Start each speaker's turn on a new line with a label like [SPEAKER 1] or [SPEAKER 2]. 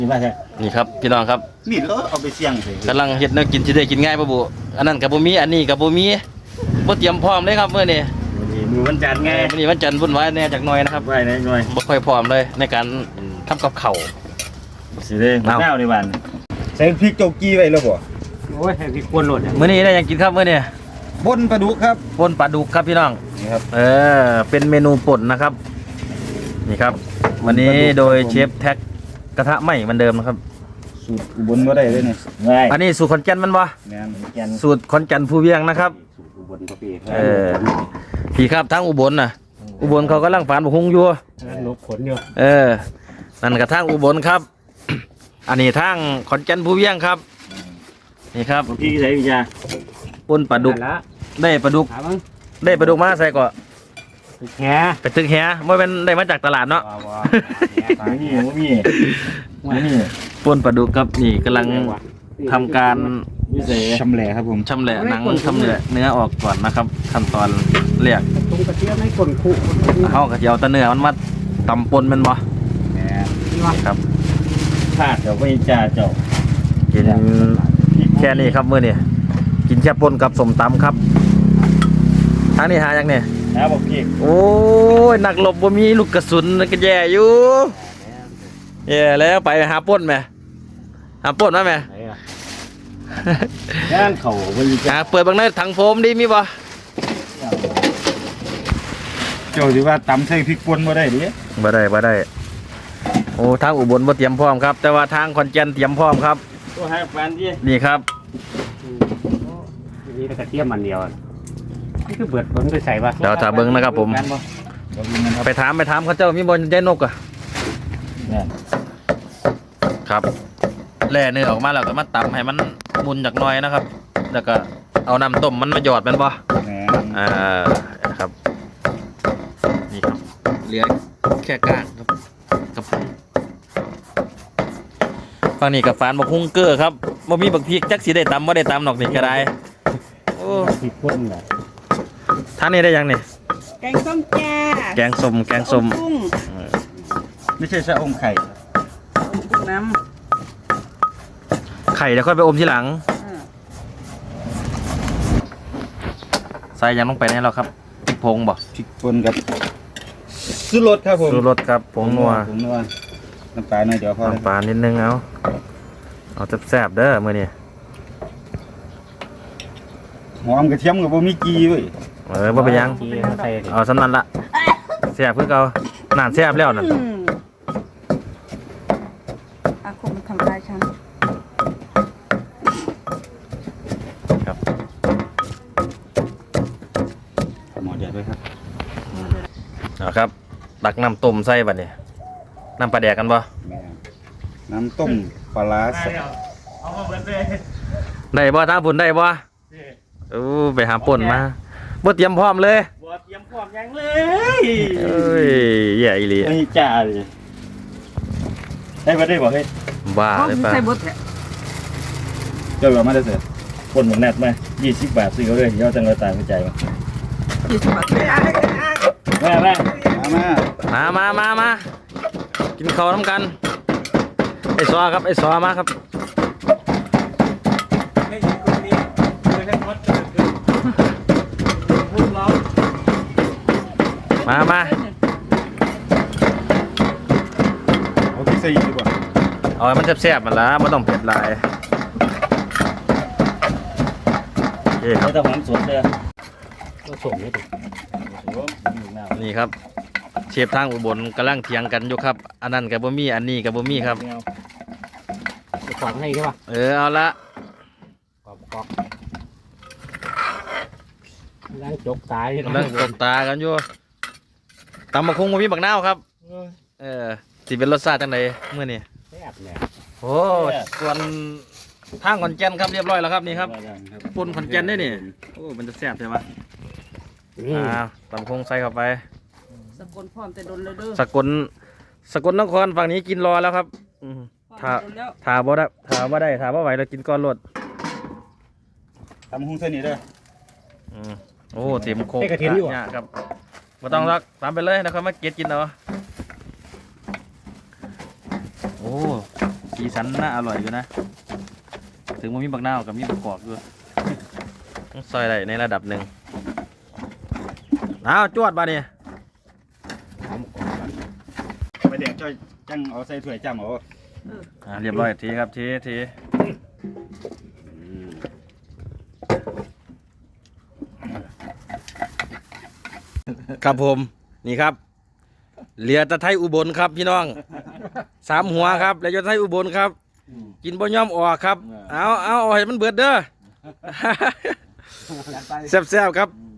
[SPEAKER 1] นี่ว่าใช่
[SPEAKER 2] นี่ครับพี่น้องครับ
[SPEAKER 1] มีดเอาไปเสี่ยงเลย
[SPEAKER 2] กำลังเฮ็ดแนวกินสิได้กินง่ายป่ะบุอันนั้นกับบุมีอันนี้กับบุมีบ่เตรียมพร้อมเลยครับเมื่อนี้
[SPEAKER 1] มือวันจันทร์ไง
[SPEAKER 2] มื้อนี้วันจันทร์วุ่นวายแน่จากหน่อยนะครับ
[SPEAKER 1] ไว้หน่อย
[SPEAKER 2] บ่ค่อยพร้อมเลยในการทำกับข้าว
[SPEAKER 1] สิเด้มะนาวในบ้านใส่พริกโจกี้ไว้แล้วบ่
[SPEAKER 3] โอ้ยพริกป่นโหลด
[SPEAKER 2] มื้อนี้ได้ยังกินครับมื้อนี้
[SPEAKER 1] ป่นปลาดุกครับ
[SPEAKER 2] ป่นปลาดุกครับพี่น้อง
[SPEAKER 1] นี่ครับ
[SPEAKER 2] เป็นเมนูป่นนะครับนี่ครับวันนี้โดยเชฟแท็กกระทะไหม้เหมือนเดิมนะครับ
[SPEAKER 1] สูตรอุบลบ่ได้เลยนี่
[SPEAKER 2] อันนี้สูตรขอนแก่นมันบ่
[SPEAKER 1] แม่นขอนแก่น
[SPEAKER 2] สูตรขอนแก่นภูเวียงนะครับ
[SPEAKER 1] สูตรอุบลก็พี่
[SPEAKER 2] พี่ครับทั้งอุบลน่ะอุบลเขากำลังฝานบุกฮุงอยู่
[SPEAKER 3] นกขนอยู่
[SPEAKER 2] นั่นกระทั่งอุบลครับ อันนี้ทางขอนแก่นภูเวียงครับนี่ครับ
[SPEAKER 1] พี่ใส่วิชา
[SPEAKER 2] ป่นปลาดุกได้ปลาดุกมาใส่ก่อน
[SPEAKER 3] แห
[SPEAKER 2] ไปตึกแหไม่เป็นได้มาจากตลาดเนาะ
[SPEAKER 1] นี่
[SPEAKER 2] ป่นปลาดุกครับนี่กำลังทำการ
[SPEAKER 1] ชำแหละครับผม
[SPEAKER 2] ชำแหละหนังชำแหละเนื้อออกก่อนนะครับขั้นตอนแรก
[SPEAKER 3] ตรงกระเทียมให้คนคู่
[SPEAKER 2] เขากระเทียมตะเนื้อมันมาตำปนมันบ่ครับ
[SPEAKER 1] พลาดเดี๋ยวไปจ่าเจ้า
[SPEAKER 2] กินแค่นี้ครับมื้อนี้กินแค่ปนกับสมตำครับทางนี้หาอย่างเนี่ย
[SPEAKER 1] บอกพี่
[SPEAKER 2] โอ้ยนักรบบ่มีลูกกระสุนก็แย่อยู่แย่แล้วไปหาป่นไหมหาป่นมาไหม
[SPEAKER 1] ย่างเขา
[SPEAKER 2] เปิดบางในถังโฟมดีมีบ่
[SPEAKER 1] เจ้าสิว่าตำใส่พริกป่นบ่ได้ดิ
[SPEAKER 2] บ่ได้โอ้ทางอุบลบ่เตรียมพร้อมครับแต่ว่าทางขอนแก่นเตรียมพร้อมครับ
[SPEAKER 1] ตัวให้แฟนดิ
[SPEAKER 2] นี่ครับ
[SPEAKER 3] นี่กระเทียมมันเดียวนี่คือเบิดผมไปใส่ป่ะ
[SPEAKER 2] เดี๋ยวถ้าเบิ่งนะครับผมไปถามเขาเจ้ามีบ่ใจนกอ่ะครับแล่เนื้อออกมาแล้วก็มาตำให้มันมุนจากหน่อยนะครับแล้วก็เอาน้ำต้มมันมาหยอดมันบ่ครับนี่ครับเหลือแค่ก้างครับกับฝั่งนี้กับฝานบักฮุ้งเกอร์ครับบ่มีบักพริกจักสิได้ตำบ่ได้ตำหรอกนี่ก็ได้โอ้
[SPEAKER 3] พริกป่นน่ะ
[SPEAKER 2] ท่านนี้ได้ยังนี่
[SPEAKER 4] แกงส้มจ้า
[SPEAKER 2] แกงส้ม
[SPEAKER 1] ไม่ใช่ชะอมไข่
[SPEAKER 4] น้
[SPEAKER 2] ไข่เดี๋ยวค่อยไปอมทีหลังใส่ยังต้องไปแน่แล้วครับพริกผงบ่
[SPEAKER 1] พริกป่นกับชูรสครับผม
[SPEAKER 2] ชูรสครับผงนัว
[SPEAKER 1] น้ำปลาหน่อยเดี๋ยวพอ
[SPEAKER 2] น้ำปลานิดนึงเอาแซ่บๆเด้อมื้อนี้
[SPEAKER 1] หอมกระเทียมกับบ่มีกีเว้ย
[SPEAKER 2] บ่ไปยังเอาสำนันละแซ่บคือเก่าน่าแซ่บแล้วนั่น
[SPEAKER 4] อาคมทำลายฉัน
[SPEAKER 2] ครับ
[SPEAKER 1] หมอเดือดด้วยครับ
[SPEAKER 2] ครับตักน้ำต้มใส่บัดนี้น้ำปลาแดกกันบ่
[SPEAKER 1] น้ำต้มปลาร้า
[SPEAKER 2] ได้บ่ทางพุ่นได้บ่ไปหาป่นมาบ่เตรียมพร้อมเลย
[SPEAKER 1] บ่เตรียมพร้อมยังเลย
[SPEAKER 2] เอ้ยแย่อีหลี
[SPEAKER 1] ไม่จ่าเลยได้บ่เฮ้ย
[SPEAKER 2] บ้าเลยป่ะ
[SPEAKER 1] เจ้าแบบมาได้เสร็จป่นหมกแนทไหม20 บาทซื้อเขาเลยเดี๋ยวจังเลยตายไม่ใจมั้ย
[SPEAKER 4] 20 บาท
[SPEAKER 2] มากินข้าวน้ำกันไอ้ซอครับไอ้ซอมาครับมา
[SPEAKER 1] เอาที่ใส่ดีกว่า
[SPEAKER 2] เอามันแซ่บๆมันละไม่ต้องเผ็ดหลาย
[SPEAKER 1] ไม่ต้องหอมสดเลย
[SPEAKER 3] ก็ส่งนี่ดิ
[SPEAKER 2] นี่ครับเชฟทางอุบลกำลังเถียงกันอยู่ครับอันนั้นกับบ่มีอันนี้กับบ่มีครับ
[SPEAKER 3] จะขวางให้ใช่ป่ะ
[SPEAKER 2] เอาละ
[SPEAKER 3] กอกล้างจกตา
[SPEAKER 2] กันอยู่ตำบักหุ่งบ่มีบักนาวครับสิเป็นรสชาติจังไดมื้อนี้
[SPEAKER 3] แซ่บเนี่ย
[SPEAKER 2] โอ้ส่วนทางขอนแก่นครับเรียบร้อยแล้วครับนี่ครับป่นขอนแก่นได้นี่โอ้มันจะแซ่บใช่ไหมตำบักหุ่งใส่เข้าไป
[SPEAKER 4] สกลพร้อมแต่โดนเลยเด้อ
[SPEAKER 2] สกลนครฝั่งนี้กินรอแล้วครับถาบ่ไหวเรากินก้อนรถ
[SPEAKER 1] ทำหุ้งเส้นนี้เด้อ
[SPEAKER 2] โอ้เต็มโคกเนี่ยครับมาต้องรักตามไปเลยนะครับมาเก็ตกินเอาโอ้สีสันน่าอร่อยอยู่นะถึงมันมีบักนาวกับมีบักกอกด้วยซอยได้ในระดับหนึ่งเอาจวดมาเนี่ย
[SPEAKER 1] ไปเด็กจ้อยจังเอาใส่ถ้วยจ้ำเอา
[SPEAKER 2] เรียบร้อยทีครับทีครับผมนี่ครับเหลือตะไทยอุบลครับพี่น้อง3 หัวครับแล้วจะไทยอุบลครับกินบ่ย่อมออกครับเอาให้มันเบิดเด้อแซ่บๆครับ